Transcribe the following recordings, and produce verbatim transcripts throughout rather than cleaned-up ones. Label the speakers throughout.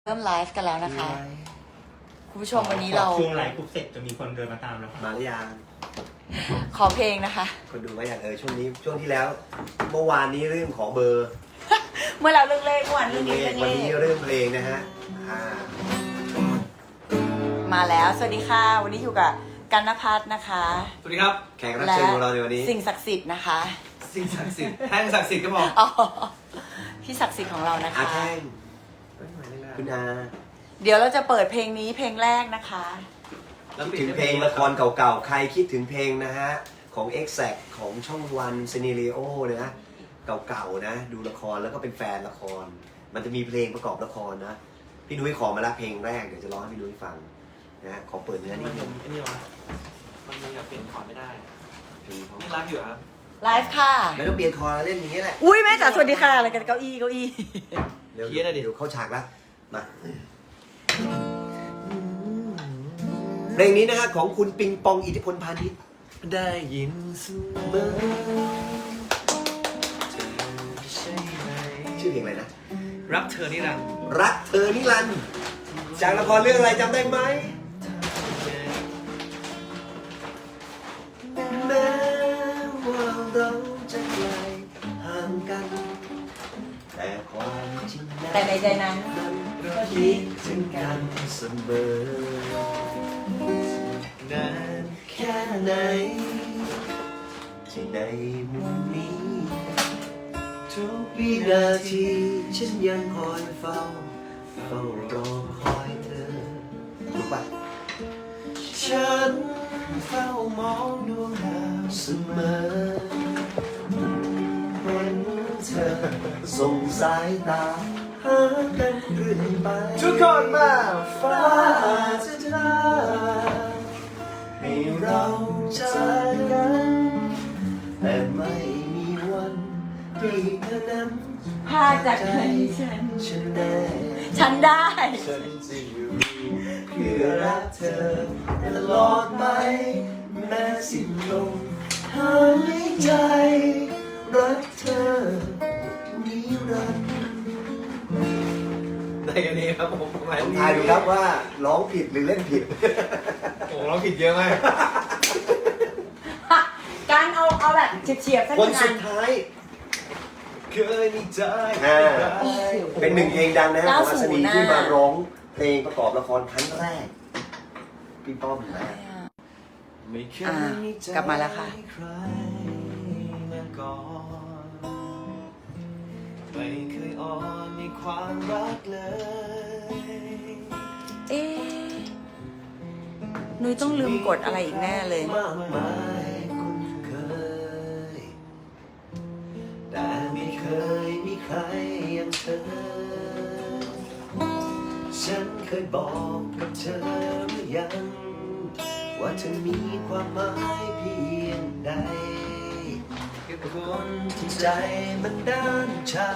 Speaker 1: เริ่มไลฟ์กันแล้วนะคะคุณผู้ชมวันนี้เรา
Speaker 2: ช่วงไลฟ์ปุ๊บเสร็จจะมีคนเดินมาตามแล้ว
Speaker 3: มาหรือยัง
Speaker 1: ขอเพลงนะคะ
Speaker 3: คนดูว่าอย่างเออช่วงนี้ช่วงที่แล้วเมื่อวานนี้เรื่องของเบอร์
Speaker 1: เมื่อเราเรื่องเลขวันเรื่องนี้เรื่อง
Speaker 3: วัน
Speaker 1: เล
Speaker 3: นี้
Speaker 1: ข
Speaker 3: เรื่องเพลงนะฮะอ่า
Speaker 1: มาแล้วสวัสดีค่ะวันนี้อยู่กับกันนภัทรนะคะ
Speaker 4: สวัสดีครับ
Speaker 3: แขกรับเชิญของเราในวันนี้
Speaker 1: สิ่งศักดิ์สิทธิ์นะคะ
Speaker 4: สิ่งศักดิ์สิทธิ์แท่งศักดิ์สิทธิ์ก็บอก
Speaker 1: อ๋อพี่ศักดิ์สิทธิ์ของเรานะ
Speaker 3: อา
Speaker 1: คะ
Speaker 3: แท่งคุณอา
Speaker 1: เดี๋ยวเราจะเปิดเพลงนี้เพลงแรกนะคะ
Speaker 3: คิดถึงเพลงละครเก่าๆใครคิดถึงเพลงนะฮะของ Exact ของช่องวันซีเนริโอนะเก่าๆนะดูละครแล้วก็เป็นแฟนละคร มันจะมีเพลงประกอบละครนะพี่นุ้ยขอมาละเพลงแรกเดี๋ยวจะร้องให้พี่นุ้ยฟังนะขอเปิดเนื้อนิดนึง
Speaker 4: ไอ้นี่วะมันยังเปลี่ยนคอร์ดไม่ได้
Speaker 3: เพลงเขา
Speaker 4: นี่รักอยู่ครับ
Speaker 1: ไลฟ์ค่ะ
Speaker 3: ไม่ต้องเปลี่ยนคอร์ดเล่นอย่างนี้แหละ
Speaker 1: อุ้ยแม่จ๋าสวัสดีค่ะอะไรกันเก้าอี้เก้าอี้
Speaker 3: เดี๋ยวเดี๋ยวเข้าฉากแล้วมาเพลงนี้นะฮะของคุณปิงปองอิทธิพลพาณิชย์
Speaker 4: ได้ยินเสมอ
Speaker 3: ชื่อเพลงอะไรนะ
Speaker 4: รักเธอนี่รัก
Speaker 3: รักเธอนิรันดร์จากละครเรื่องอะไรจำได้ไหมแม้ว่าเราจะไกลห่างกัน แต่ความจริง
Speaker 1: แต่ในใจนั้น
Speaker 3: ก็คิดถึงกันเสมอ
Speaker 4: นาน
Speaker 3: แค่ไหนที่ในมุมนี้ทุกวินาทีฉันยังคอยเฝ้าเฝ้ารอคอยเธอถูกปะฉันเฝ้ามองดวงดาวเสมอเห็นเธอส่งสายตาหากันเรื่อยไป
Speaker 4: ทุกคนมาฟ้า
Speaker 3: ฟ้าจะทาให้เราเจอกันแต่ไม่มีวันที่เธอนั้น
Speaker 1: พาจากใจฉัน
Speaker 3: ฉันแน่
Speaker 1: ฉันได้
Speaker 3: ฉันจะอยู่เพื่อรักเธอตลอดไปแม้สิ้นลมหายใจรักเธอนิรันดร์
Speaker 4: ได้กันนี้ครับผมหมาย
Speaker 3: ลองทายดูครับว่าร้องผิดหรือเล่นผิด
Speaker 4: โอ้เราผิดเยอะมาก
Speaker 1: การเอาเอาแบบเฉียบๆสัก
Speaker 3: คน
Speaker 1: นา
Speaker 3: สุ
Speaker 1: น
Speaker 3: ดท้าย
Speaker 4: เคยมีใจ
Speaker 3: อ่า เป็นหนึ่งเพลงดังนะฮะของอัศนี
Speaker 1: เก้าสิบ
Speaker 3: ที่มาร้องเพลงประกอบละครครั้งแรก พี่ป้อมนะ
Speaker 4: ไม่เคย
Speaker 1: อ่า
Speaker 4: มีใจ
Speaker 1: กลับมาแล้วค่ะ
Speaker 4: ใครมาก่อนไม่เคยอ่อนในความรักเลย
Speaker 1: เอ๊ะนุ้ยต้องลืมกดอะไรอีกแน่เลย
Speaker 3: มากมายคุ้นเคย แต่ไม่เคยมีใครอย่างเธอ ฉันเคยบอกกับเธอหรือยัง ว่าเธอมีความหมายเพียงใดกับคนที่ใจมันด้านชา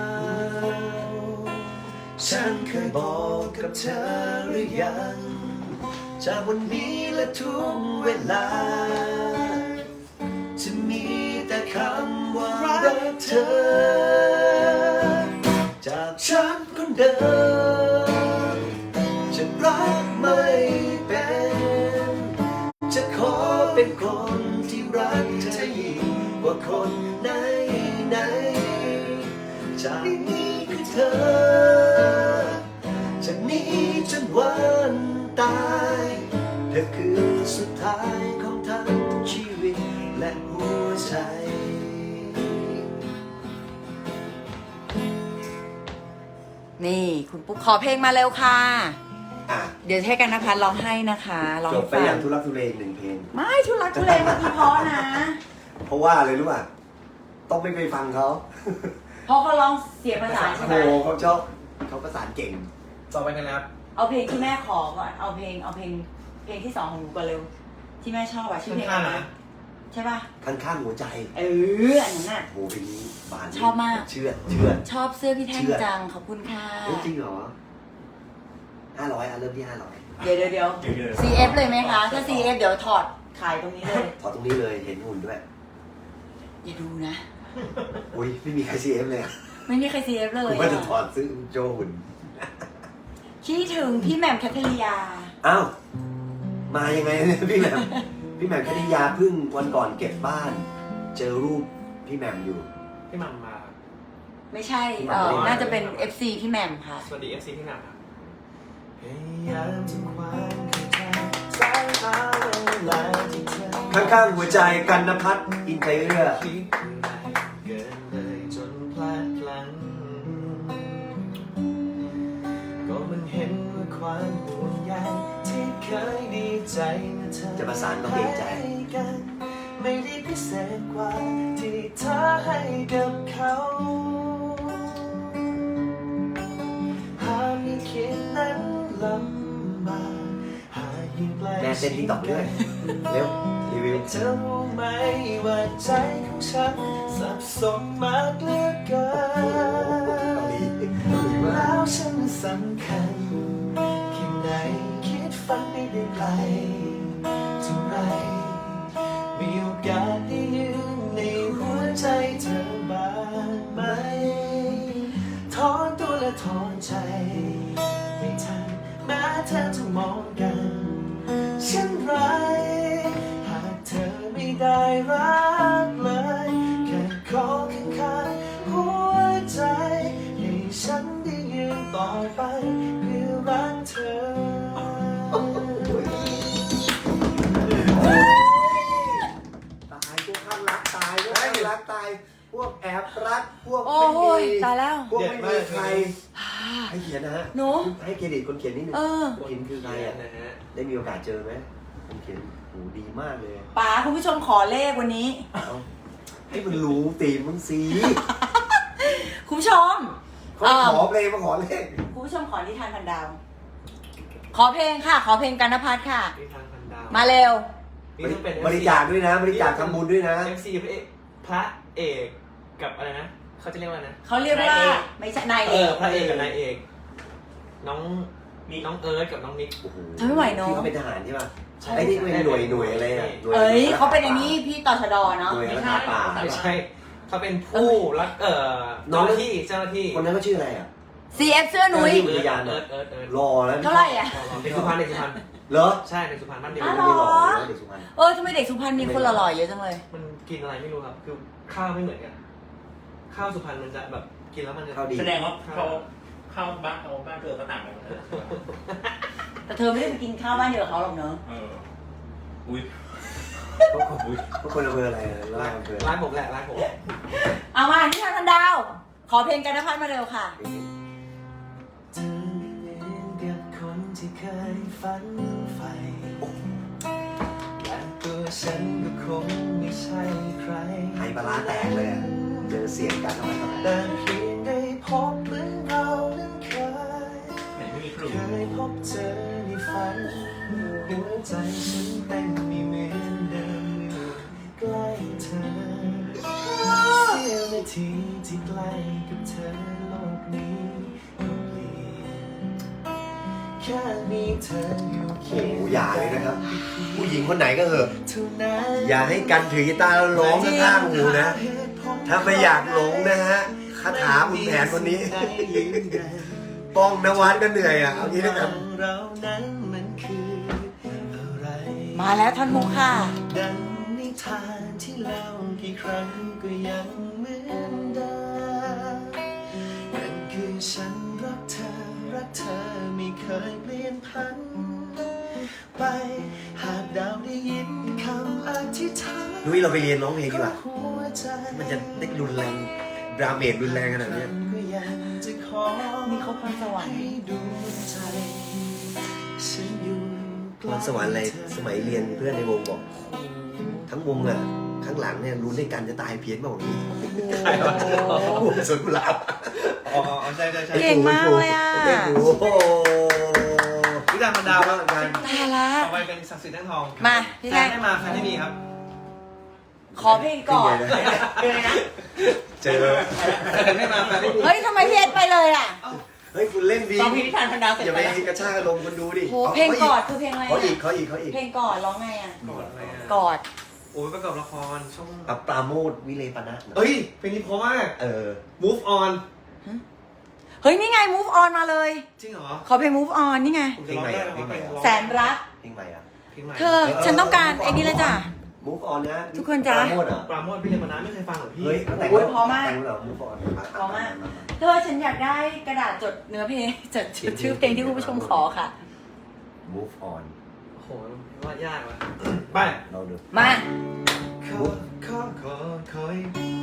Speaker 3: ฉันเคยบอกกับเธอหรือยังจากวันนี้และทุกเวลา จะมีแต่คำว่ารักเธอ จากฉันคนเดิมจะรักไม่เป็น จะขอเป็นคนที่รักเธอยิ่งกว่าคนไหนไหนจากนี้คือเธอจากนี้จนวันตายเธอคือสุดท้ายของทั้งชีวิตและหัวใจ
Speaker 1: นี่คุณปุ๊กขอเพลงมาเร็วค่ะ
Speaker 3: อ่ะ
Speaker 1: เดี๋ยวให้กันนภัทรร้องให้นะคะร้อง
Speaker 3: จ
Speaker 1: ให้
Speaker 3: บไป
Speaker 1: ฟั
Speaker 3: อย่าง งทุลักทุเลหนึ่งเพลง
Speaker 1: ไม่ทุลักทุเลเมื่อกี้เพราะนะ
Speaker 3: เพราะว่าอะไรรู้ป่ะ ต้องไม่ไปฟังเขา
Speaker 1: เพราะเขาร้องเสียงประสานใช่
Speaker 3: โอ้
Speaker 1: ไหม
Speaker 3: โหเขาชอบเขาประสานเก่ง
Speaker 4: ต่อไปกันนะครับ
Speaker 1: เอาเพลงที่แม่ขอก่อนเอาเพลงเอาเพลงเพลงที่สองของหนูก่อนเร็ว ที่แม่ชอบอะชื่อเพลงอะไรนะใช่ป่ะ
Speaker 3: ข้างข้างหัวใจ
Speaker 1: เอออันนั้นน่ะ
Speaker 3: โหเพลงนี้บาน
Speaker 1: ชอบมาก
Speaker 3: เชื่อเชื่อ
Speaker 1: ชอบเสื้อพี่แท่งจังขอบคุณค่ะ
Speaker 3: เฮ้ยจริงเหรอห้าร้อยอ่ะเริ่มที่ห้าร้อย
Speaker 1: เดี๋ยวเดี๋ยวเดี๋ยว ซี เอฟ เลยไหมคะ ถ้า ซี เอฟ เดี๋ยวถอดขายตรงนี้เลย
Speaker 3: ถอดตรงนี้เลยเห็นหุ่นด้วย
Speaker 1: อย่าดูนะ
Speaker 3: อุ้ยไม่มีใคร ซี เอฟ เลยอะ
Speaker 1: ไม่มีใคร ซี เอฟ เลย
Speaker 3: กูว่าจะ
Speaker 1: อะ
Speaker 3: ถอดซื้อโจหุ่น
Speaker 1: คิดถึงพี่แหม่มแคทเธอรียา
Speaker 3: อ้าวมายังไงเนี่ยพี่แหม่มพี่แหม่มแคทริยาเพิ่งวันก่อนเก็บบ้าน เจอรูปพี่แหม่มอยู่
Speaker 2: พี่มัมมา
Speaker 1: ไม่ใช่เออน่าจะเป็น เอฟ ซี พี่แหม่มค่ะ
Speaker 2: สวัสดีเอฟซีพี่มัมครับ
Speaker 4: พยายามทำความเข้าใจสายตาเวลาที่เธอ
Speaker 3: ข้างๆหัวใจกันนภัทรอินใจเอื้อ
Speaker 4: คิดอะไรเกินเลยจนพลาดพลั้งก็มันเห็นว่าความห่วงใยที่เคยดีใจเมื่อเธอ
Speaker 3: จะประสานก็เกรงใจ
Speaker 4: ให้กันไม่ได้พิเศษกว่าที่เธอให้กับเขาหากไม่คิดนั้นลำบากหากยิ่งไกล
Speaker 3: แม่เต้นติ๊กต็อกด้วยเร็วรีวิว
Speaker 4: เธอรู้ไหมว่าใจของฉันสับสนมากเหลือเกิ
Speaker 3: เกาหลี
Speaker 4: น
Speaker 3: เกาหลีมา
Speaker 4: แล้
Speaker 3: ก
Speaker 4: วฉันสำคัญแค่ไหนคิดฝันไม่ได้ไกลเท่าไรมีโอกาสได้ยืนในหัวใจเธอบ้างไหมถอนตัวและถอนใจไม่ทันแม้เธอจะมองกันเช่นไรหากเธอไม่ได้รักเลยแค่ขอข้างๆหัวใจให้ฉันได้ยืนต่อไปเพื่อรักเธอ
Speaker 3: ตายพวกข้างรักตายพวกข้างรักตายพวกแอบรักพวก
Speaker 1: โอ้
Speaker 3: ไม่
Speaker 1: ย
Speaker 3: มี
Speaker 1: ตายแล้ว
Speaker 3: พวกไม่มีใครให้เขียนนะฮะ
Speaker 1: หนู
Speaker 3: ให้เครดิตคนเขียนนิดนึง
Speaker 1: เออ
Speaker 3: คนเขียนคือใครอ่ะ
Speaker 4: นะฮะ
Speaker 3: ได้มีโอกาสเจอไหมคนเขียนโหดีมากเลย
Speaker 1: ป๋าคุณผู้ชมขอเลขวันนี้
Speaker 3: เอาให้มันรู้ตีมมึงสิ
Speaker 1: คุณผู้ชม
Speaker 3: เขาขอเพลงมาขอเลข
Speaker 1: คุณผู้ชมขอนิทานพันดาว ขอเพลงค่ะ ขอเพลงกันนภัทรค่ะ
Speaker 4: มีทางพันดาว
Speaker 1: มาเร็ว
Speaker 4: นี่ต้องเป็น
Speaker 3: บริจาคด้วยนะ บริจาคทำบุญด้วยนะ
Speaker 4: เอฟซีพระเอกพระเอกกับอะไรนะเขาจะเรียกว่าอะไรนะ
Speaker 1: เขาเรียกว่าไม่ใช่นาย
Speaker 4: เอ
Speaker 1: เอ
Speaker 4: อก พระเอกกับนายเอก น้อง
Speaker 2: มี
Speaker 4: น้องเอิร์ธกับน้องนิก
Speaker 3: โอ้โห
Speaker 1: ทำไม่ไหวเนอะ
Speaker 3: ที่เขาเป็นทหารใช่ป่ะ
Speaker 4: ใช่
Speaker 3: ไอ้นี่เป็นหน่วยหน่วยอะไรอ่ะหน่ว
Speaker 1: เอ้ยเขาเป็นอันนี้พี่ต่อชดเนาะ
Speaker 3: หน่วยรักษาป่า
Speaker 4: ไม่ใช่เขาเป็นผู้รักเอ่อ
Speaker 3: น้
Speaker 4: เจ้า
Speaker 3: อง
Speaker 4: หน้าที่เจ้าหน้าที่
Speaker 3: คนนั้นเขาชื่ออะไรอ่ะ
Speaker 1: ซี เอฟ เสื้อนุ้ย
Speaker 3: เออ
Speaker 4: เอิร์ธเอิร์ธเอิร์ธเอิร์ธ
Speaker 3: รอแล้ว
Speaker 1: เท่าไหร่อ่ะ
Speaker 4: เด็กสุพรรณเด็กสุพรรณ
Speaker 3: เหรอ
Speaker 4: ใช่เด็กสุพรรณบ้านเดียว
Speaker 1: อ๋อ
Speaker 3: ไม่หล่อนะเด็กสุพรรณ
Speaker 1: เออทำไมเด็กสุพรรณมีคนหล่อๆเยอะจังเลย
Speaker 4: มันกินอะไรไม่รู้ครับ คือข้าวไม่เหมือนกัน ข้าวสุพรรณมันจะแบบกินแล้วมันจะ
Speaker 3: ข้าวดี
Speaker 2: แสดงว่าเขาเข้าบ้านเขาบ้านเกิดก็ต่างกันนะ
Speaker 1: แต่เธอไม่ได้ไปกินข้าวบ้านเดียวกับเขาหรอกเนอะ
Speaker 2: เอออุ้ย
Speaker 3: พวกคนอำเภออะไรอะร้านอำเภอ
Speaker 4: ร้านผมแหละร้านผม
Speaker 1: เอามานิทานพันดาว ขอเพลงกันนภัทรมาเร็วค่ะ
Speaker 4: เธอไม่เหมือนกับคนที่เคยฝันใฝ่และตัวฉันก็คงไม่ใช่ใคร
Speaker 3: ไฮปลาร้าแตกเลยอะเจอเสียงกันทำไมทำไม
Speaker 4: แต่เพียงได้พบเหมือนเรานั้นเคย
Speaker 2: เห็นไม่มีครู
Speaker 4: เคยพบเจอในฝันหัวใจฉันเต้นไม่เหมือนเดิมเมื่อใกล้เธอเสี้ยวนาทีที่ใกล้กับเธอโลกนี้ก็เปลี่ยนแค่มีเธออยู่
Speaker 3: โอ้โหอย่าเลยนะครับ ผู้หญิงคนไหนก็เหอะ
Speaker 4: เท่านั้น
Speaker 3: อย่าให้กันถือกีตาร์แล้วร้องข้างๆหูนะ ถ้าไม่อยากหลงนะฮะคาถาคุณแผนคนนี้ ป้องนวัดก็เหนื่อยอ่ะ เอางี้แล้วกัน
Speaker 4: เรานั้นมันคืออะไร
Speaker 1: มาแล้วท่อนฮุกค่ะ
Speaker 4: ดังนิทานที่เล่ากี่ครั้งก็ยังเหมือนเดิมนั่นคือฉันรักเธอ รักเธอไม่เคยเปลี่ยนพัน ไปหากดาวได้ยินคำอธิษฐาน
Speaker 3: นุ้ยเราไปเรียนร้องเพลงดีกว่า
Speaker 4: หัวใจ
Speaker 3: มันจะได้รุนแรงดราเมจรุนแรงขนาดเนี้ย
Speaker 4: ก็ยังจะขอ
Speaker 1: มีครบพรสวรรค์
Speaker 4: ให้ดวงใจฉันอยู่ใก
Speaker 3: พ
Speaker 4: ล้
Speaker 3: รสวรรค์อะไร
Speaker 4: เธอ
Speaker 3: สมัยเรียนเพื่อนในวงบอก ทั้งวงอ่ะ ข้างหลังเนี่ยรุ้นด้วยกันจะตายเพี้ยนบอกนี้วงสวนกุหลาบ
Speaker 4: อ๋ออ๋อใช่ใช่ใช่
Speaker 1: เก่งมากเลยอะ
Speaker 3: โอ้โห
Speaker 4: วิจารณ์มันดาวครับ
Speaker 3: กัน
Speaker 1: ตายละ
Speaker 4: ต่อไปเป็นศักดิ์สิทธิ์แท่งทอง
Speaker 1: มาพี่
Speaker 4: แฟ
Speaker 1: แท่
Speaker 4: น
Speaker 1: ง
Speaker 4: ได้มาแฟนได้มีครับ
Speaker 1: ขอเพลงก่อน
Speaker 3: เป็นไงนะ เจอ
Speaker 4: แฟนได้มาแฟนได้มี
Speaker 1: เฮ้ยทำไมพี่เอ็ดไปเลยอ่ะ
Speaker 3: เฮ้ยคุณเล่นดี
Speaker 1: ร้องเพลงนิทานพันดาวเสร็จ
Speaker 3: อย่า
Speaker 1: ไป
Speaker 3: ไป
Speaker 1: แล้ว
Speaker 3: กระชากอารมณ์คนดูดิ
Speaker 1: โหเพลงกอดคือเพลงอะไร
Speaker 3: เขาอีก
Speaker 1: อะ
Speaker 3: เขาอีกเขาอีก
Speaker 1: เพลงกอดร้องไงอ่ะ
Speaker 4: กอดอะไรอ่ะ
Speaker 1: กอด
Speaker 4: โอ้ยประกอบละครช่อง
Speaker 3: อับปราโมดวิเลปนะ
Speaker 4: เอ้ยเพลงนี้เพราะมาก
Speaker 3: เออ
Speaker 4: move on
Speaker 1: เฮ้ยนี่ไง move on มาเลย
Speaker 4: จริงเหรอ
Speaker 1: ขอเพลง move on นี่ไง
Speaker 4: ผมจะร้องได้ไหมว่าเพลงร้อง
Speaker 1: แสนรัก
Speaker 3: เพลงใหม่อ่ะ
Speaker 4: เพลงใหม่
Speaker 1: เธอฉันต้องการไอ้นี่เลยจ้ะ
Speaker 3: Move on นะ
Speaker 1: ทุกคนจ๊ะ
Speaker 3: ปราโมทเหรอ
Speaker 4: ปราโมทพี่เรียนมานานไม่เคยฟังเหรอพี่
Speaker 3: เฮ้ยแต่ง
Speaker 1: โอ้ยพอมาก
Speaker 3: แต่งเหรอ Move on
Speaker 1: พอมาก เธอฉันอยากได้กระดาษจดเนื้อเพลงจดชื่อเพลงที่คุณผู้ชมขอค่ะ
Speaker 3: Move on
Speaker 4: โอ้โหว่ายากว่ะไป
Speaker 3: เราดู
Speaker 1: มา
Speaker 4: ขอขอขอขอ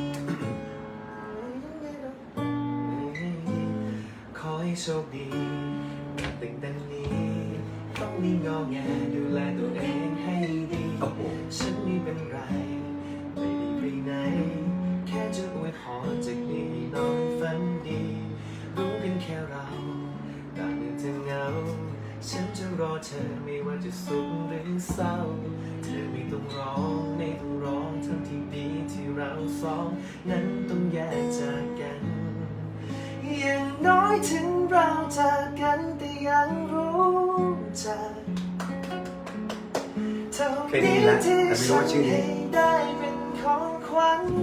Speaker 4: ขอให้โชคดีตั้งแต่นี้ต้องมีงอแงดูแลตัวเองให้ดี
Speaker 3: โอ้โห
Speaker 4: ฉันไม่เป็นไรไม่ได้ไปไหนแค่จะอวยพรจากนี้นอนฝันดีรู้กันแค่เราต่างเมื่อเธอเหงาฉันจะรอเธอไม่ว่าจะสุขหรือเศร้าเธอไม่ต้องร้องไม่ต้องร้องทั้งที่ดีที่เราสองนั้นต้องแยกจากกันอย่างน้อยถึงเราจากกันแต่ยังรู้จักเท่านี้ที่ฉันให้ได้เป็นของขวัญ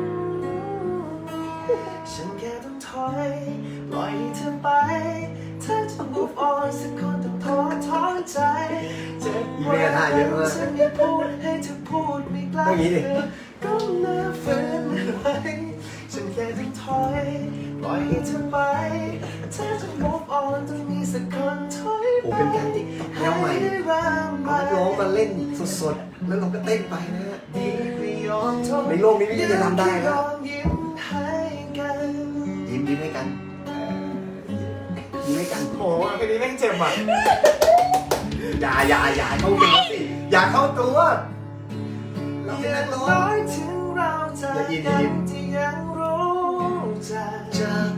Speaker 4: ฉันแค่ต้องถอยปล่อยให้เธอไปเธอจะ move on สักคนต้องท้อท้อใจเจ็บปวดฉันไม่พูดให้เธอพูดไม่กล้าเธอก็เลิกฝืนไว้ฉันแค่ต้องถอยปล่อยให้เธอไปเธอจะ move on ต้องมีสักคนถอย
Speaker 3: โอ้เป็นการติ๊กแนวใหม่เอาร้องมาเล่นสดๆ แล้วเราก็เต้นไปนะฮะในโลกนี้ไม่มีใครทำได้แล้วยิ้มยิ้มให้กันเอ่อยิ้มให้กัน
Speaker 4: โอ้โหเพลงนี้แม่งเจ็บอ่ะ
Speaker 3: อย่าอย่าอย่าเข้าตัวสิอย่าเข้าตัวเราเป็นนักร้อง
Speaker 4: น้อยถึงเราจะกันที่ยังรู้จัก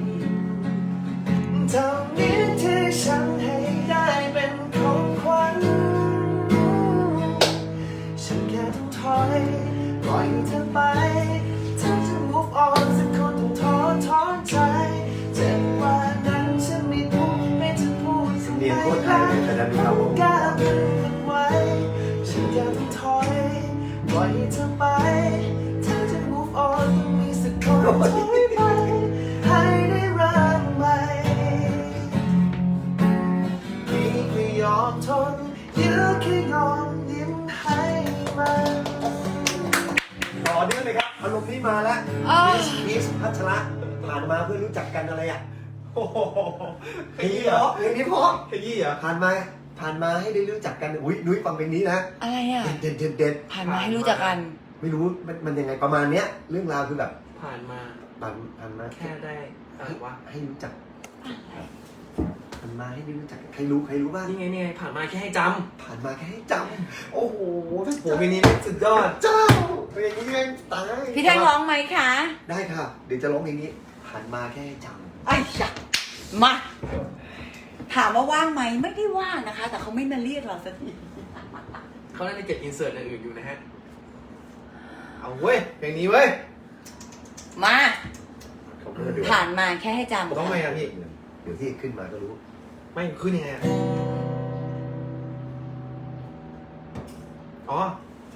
Speaker 4: เท่านี้ที่ฉันให้ได้เป็นของขวัญฉันแค่ต้องถอยปล่อยให้เธอไปเธอจะ move on สักคนต้องท้อท้อใจเจ็บกว่านั้นฉันไม่พูดไม่จะพูดสัก
Speaker 3: เรียน
Speaker 4: ไม่
Speaker 3: โคตรไท
Speaker 4: ได้
Speaker 3: ยเลยแต่ดันดูเรา
Speaker 4: กล้าดึงมันไว้ฉันแค่ต้องถอยปล่อยให้เธอไปเธอจะ move on ต้องมีสักคนถอยไปให้ได้เริ่มใหม่พี่ไม่ยอมทนยื้อแค่ยอมยิ้มให้มัน
Speaker 3: ต่อเนื่องเลยครับอารมณ์นี้มาแล้ว
Speaker 1: อ้าว
Speaker 3: พีชพัชระผ่านมาเพื่อรู้จักกันอะไรอ่ะ
Speaker 4: โอ้โห
Speaker 3: เพลงนี้เหรอเพลงนี้เพราะ
Speaker 4: ขยี้เหรอ
Speaker 3: ผ่านมาผ่านมาให้ได้รู้จักกันอุ้ยนุ้ยฟังเพลงนี้นะ
Speaker 1: อะไรอ่ะ
Speaker 3: เด็ดเด็ดเด็ด
Speaker 1: ผ่านมาให้รู้จักกัน
Speaker 3: ไม่รู้มันมันยังไงประมาณเนี้ยเรื่องราวคือแบบ
Speaker 4: ผ่านมา
Speaker 3: ผ่านผ่านมา
Speaker 4: แค่ได้อะไรวะ
Speaker 3: ให้รู้จักผ่านมาให้ได้รู้จักใครรู้ใครรู้บ้าง
Speaker 4: นี่ไงนี่ไงผ่านมาแค่ให้จ
Speaker 3: ผ่านมาแค่ให้จำโอ้โห
Speaker 4: ำโหเพลงนี้สุดยอด
Speaker 3: เจ้าเพลงนี้แม่งตาย
Speaker 1: พี่แท่งร้องไหมคะ
Speaker 3: ได้ค่ะ เดี๋ยวจะร้องเพลงนี้ ผ่านมาแค่ให้จ
Speaker 1: ไอ้ยะมา ถามว่าว่างไหมไม่ได้ว่างนะคะ แต่เขาไม่มาเรียกเราสักที
Speaker 4: เขาน่าจะเก็บอินเสิร์ตอย่างอื่นอยู่นะฮะ เอาเว้ยเพลงนี้เว้ย
Speaker 1: มา
Speaker 3: ำเขาก็เดือด
Speaker 1: ผ่านมาแค่ให้จำ
Speaker 4: ต้องไหมอ่ะพี่
Speaker 3: เดี๋ยวที่ขึ้นมาก็รู้
Speaker 4: ไม่ขึ้นยังไงอะอ๋อ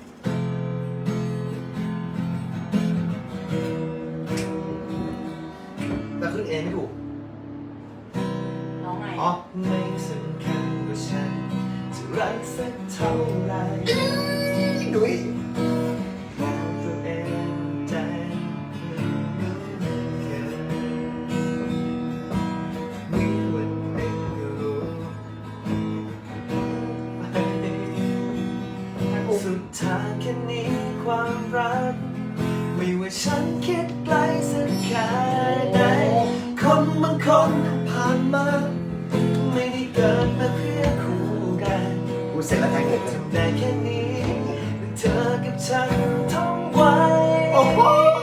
Speaker 4: แต่ขึ้นเองไม่ถูก
Speaker 1: น้องไง
Speaker 4: อ๋อไม่สำคัญว่าฉันจะรักสักเท่าไหร
Speaker 3: นุ้ย
Speaker 4: บอกตัวเองใจแค่มีวันหนึ่งก็รู้สุดทางแค่นี้ความรักไม่ว่าฉันคิดไกลสักแค่ไหนคนบางคนผ่านมาไม่ได้เกิดมาเพื่อคู่กัน
Speaker 3: กูเสร็จแล้วแทงเงินเลย
Speaker 4: ทำได้แค่นี้เธอกับฉันท่องไว้
Speaker 3: โอ้โห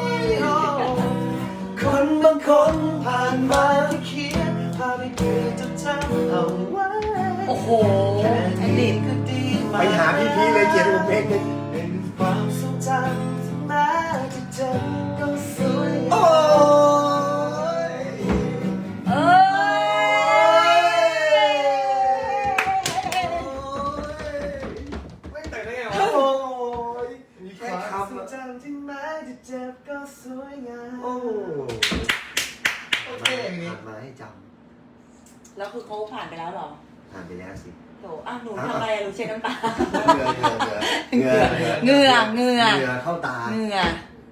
Speaker 4: คนบางคนผ่านมาที่เขียนพาไปเพื่อจดจำเอาไว้
Speaker 1: โอ้โห
Speaker 4: แค่
Speaker 1: แอด
Speaker 4: นี้
Speaker 1: ดิ
Speaker 4: ก็ดีมาก
Speaker 3: ไปหาพี่พีเลยเขียนผมเพลงหนึง
Speaker 4: เป็นความทรงจำที่แม้จะเจ็บก็สวย
Speaker 3: โอ้ย
Speaker 1: เอ้ย
Speaker 4: ไม่แต่งได้ไงวะ
Speaker 3: โอ้ยมีแค่
Speaker 4: ความ
Speaker 3: คำ
Speaker 4: ทรง
Speaker 3: อะ
Speaker 4: จำที่แม้จะเจ็บก็สวยงาม
Speaker 3: โอ้
Speaker 4: โอเค
Speaker 3: ผ่
Speaker 4: อย่างนี้
Speaker 3: านมาให้จ
Speaker 1: เขาผ่านไปแล้วเหรอ
Speaker 3: ผ่านไปแล้วสิ
Speaker 1: โถอ้าวหนูทำอะไรอะหนูเช็ดน้ำตา
Speaker 3: เหงื่อเหงื่อเหงื่อ
Speaker 1: เหงื่อเหงื่อ
Speaker 3: เหงื่อเข้าตา
Speaker 1: เหงื่อ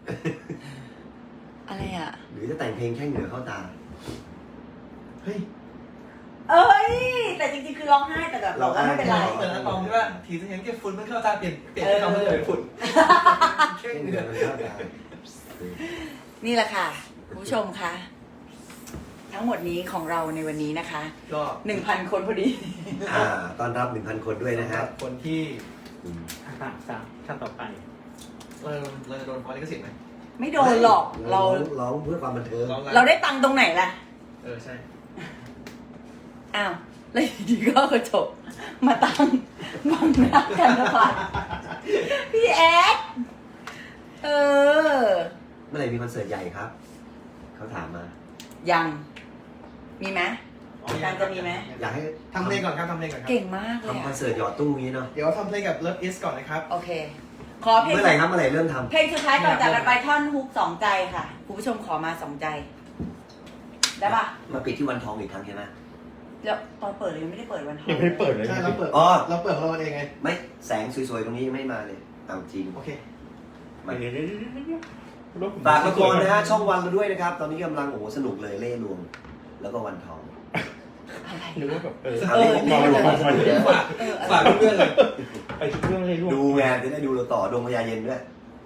Speaker 1: อะไรอ่ะ
Speaker 3: หรือจะแต่งเพลงแค่เหงื่อเข้าตา
Speaker 4: เฮ้ย
Speaker 1: เอ้ย แต่จริงๆคือร้องไห้แต่แบบเราก็ไม่เป็นไร
Speaker 4: เหมือนอะตอมใช่ป่ะทีจะเห็นแค่ฝุ่นมันเข้าตาเปลี่ยนเปลี่ยนที่คำว่าจะเป็นฝุ่นแค่
Speaker 3: แค่เห
Speaker 4: เห
Speaker 3: งื่
Speaker 4: งื่
Speaker 3: อ
Speaker 4: อ
Speaker 3: มันเข้าตา
Speaker 1: นี่แหละค่ะคุณผู้ชมคะทั้งหมดนี้ของเราในวันนี้นะคะ
Speaker 4: ก็
Speaker 1: หนึ่งพันคนพอดี
Speaker 3: อ่าต้อนรับหนึ่งพันคนด้วยนะฮะ
Speaker 4: คนที่
Speaker 3: อืม
Speaker 2: สามสามขั้นต่อไป
Speaker 4: เราเราจะโดนฟ้องลิขสิทธิ์ไหม
Speaker 1: ไม่โดนหรอกเรา
Speaker 3: ร้องเพื่อความบันเทิง
Speaker 4: ร้องไง
Speaker 1: เราได้ตังค์ตรงไหนล่ะ
Speaker 4: เออใช่
Speaker 1: อ้าวแล้วอยู่ดีก็กระจกมาตั้งบังหน้ากันนะพัดพี่แอดเออ
Speaker 3: เมื่อไหร่มีคอนเสิร์ตใหญ่ครับ เขาถามมา
Speaker 1: ยัง มีไหมการจะมีไหม
Speaker 3: อยากให้
Speaker 4: ทำเพลงก่อนครับทำเพลงก่อนครับ
Speaker 1: เก่งมากเลย
Speaker 3: ทำคอน
Speaker 1: อะ
Speaker 3: เสิร์ตหยอดตู้นี้เนาะ
Speaker 4: เดี๋ยวทำเพลงกับ Love Is ก่อนนะครับ
Speaker 1: โอเค ขอเพลง
Speaker 3: เมื่อไหร่ครับเมื่อไหร่เริ่มทำ
Speaker 1: เพลงสุดท้ายก่อนจากกันไปท่อนฮุกสองใจค่ะคุณผู้ชมขอมาสองใจ ได้ปะ
Speaker 3: มาปิดที่วันทองอีกครั้งใช่ไหม
Speaker 1: แล้วตอนเปิดเลยยังไม่ได้เปิดวันทอง
Speaker 2: ยังไม่ได้เปิดเลย
Speaker 4: ใช่เราเปิด
Speaker 3: อ๋อ
Speaker 4: เราเปิดของเราเองไง
Speaker 3: ไม่แสงสวยๆตรงนี้ยังไม่มาเลยเอาจริง
Speaker 4: โอเค
Speaker 3: มา
Speaker 2: เดี๋ยวเดี๋ยวเดี๋ยวเดี๋ยวเดี๋ยว
Speaker 3: ฝากละครนะฮะช่องวันเราด้วยนะครับ ตอนนี้กำลังโอ้โหสนุกเลยเล่ห์ลวง แล้วก็วันทอง
Speaker 1: อะไร
Speaker 2: นึกว่าแบบเออ
Speaker 3: เอาเล่ห์ลวงลวงลวงลวง
Speaker 4: ฝากฝากเพื่อนๆเลย
Speaker 2: ไปทุกเรื่องเลยลูก
Speaker 3: ดูงานจะได้ดูเราต่อดวงพญาเย็นด้วย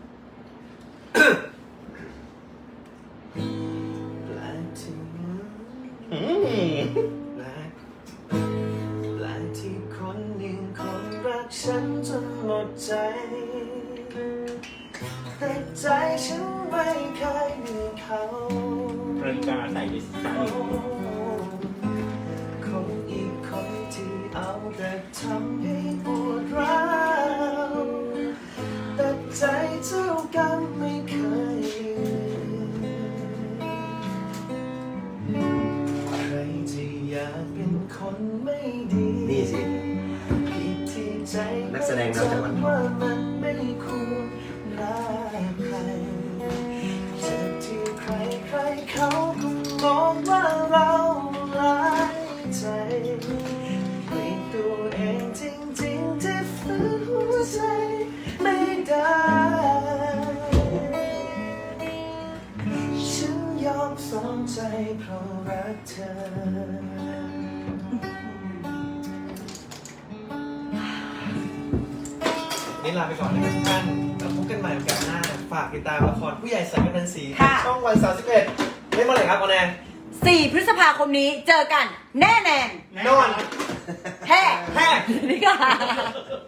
Speaker 4: แปลกที่
Speaker 2: อืม
Speaker 4: แปลกแปลกที่คนหนึ่งคนรักฉันจนหมดใจ แต่ใจฉันไม่เคยมีเขา
Speaker 2: นาฬิกาใส่ดิสก์
Speaker 4: คนอีกคนที่เอาแต่ทำให้ปวดร้าวแต่ใจเท่ากันไม่เคยลืมใครที่อยากเป็นคนไม่ดี
Speaker 3: นี่สิ
Speaker 4: ผิดที่ใจ
Speaker 3: นักแสดงนำจากวันทอง
Speaker 4: ว่ามันไม่ควรรักใครเจ็บที่ใครใครเขาก็มองว่าเราร้ายใจเปลี่ยนตัวเองจริงๆที่ฝืนหัวใจไม่ได้ ฉันยอมสองใจเพราะรักเธอ นี่ลาไปก่อนนะครับทุกท่านแล้วพบกันใหม่โอกาสหน้า ฝากติดตามละครผู้ใหญ่สายกำนันสี
Speaker 1: ค่ะ
Speaker 4: ช่องวันสามสิบเอ็ดเล่นเมื่อไหร่ครับออนแอร์
Speaker 1: สี่พฤษภาคมนี้เจอกัน แน่แน่
Speaker 4: นอน
Speaker 1: แฮ่
Speaker 4: แฮ่
Speaker 1: นี่ค่ะ